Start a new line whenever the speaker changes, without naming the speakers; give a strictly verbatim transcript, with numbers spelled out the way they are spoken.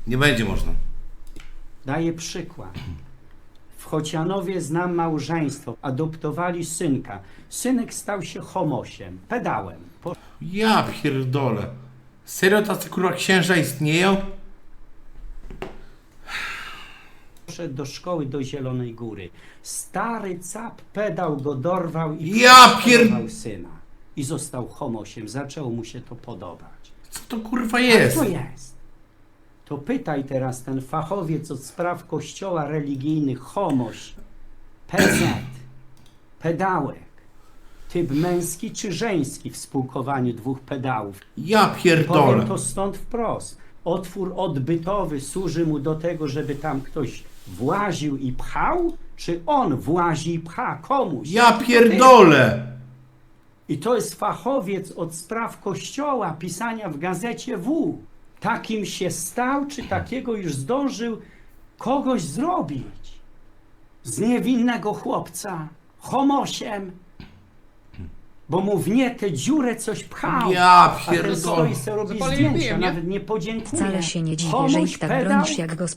Nie będzie można.
Daję przykład. W Chocianowie znam małżeństwo. Adoptowali synka. Synek stał się homosiem, pedałem.
Ja pierdolę. Serio tacy kurwa księża istnieją?
Poszedł do szkoły do Zielonej Góry. Stary cap pedał go dorwał i
Ja pier...
porwał syna. I został homosiem. Zaczęło mu się to podobać.
Co to kurwa
Jak
jest?
to jest? To pytaj teraz ten fachowiec od spraw kościoła religijnych, homoś, P Z, pedałek, typ męski czy żeński w spółkowaniu dwóch pedałów.
Ja
Powiem
pierdolę.
to stąd wprost. Otwór odbytowy służy mu do tego, żeby tam ktoś właził i pchał, czy on włazi i pcha komuś?
Ja pierdolę.
I to jest fachowiec od spraw kościoła, pisania w gazecie W. Takim się stał, czy takiego już zdążył kogoś zrobić. Z niewinnego chłopca, homosiem, bo mu w nie tę dziurę coś pchał.
Ja
A ten
pierdolę.
stoi se robi
Zapaliłem
zdjęcia,
pijem, nie?
nawet nie podziękuje.
Wcale się nie dziwię, że
Komuś
ich tak
pedał?
bronisz jak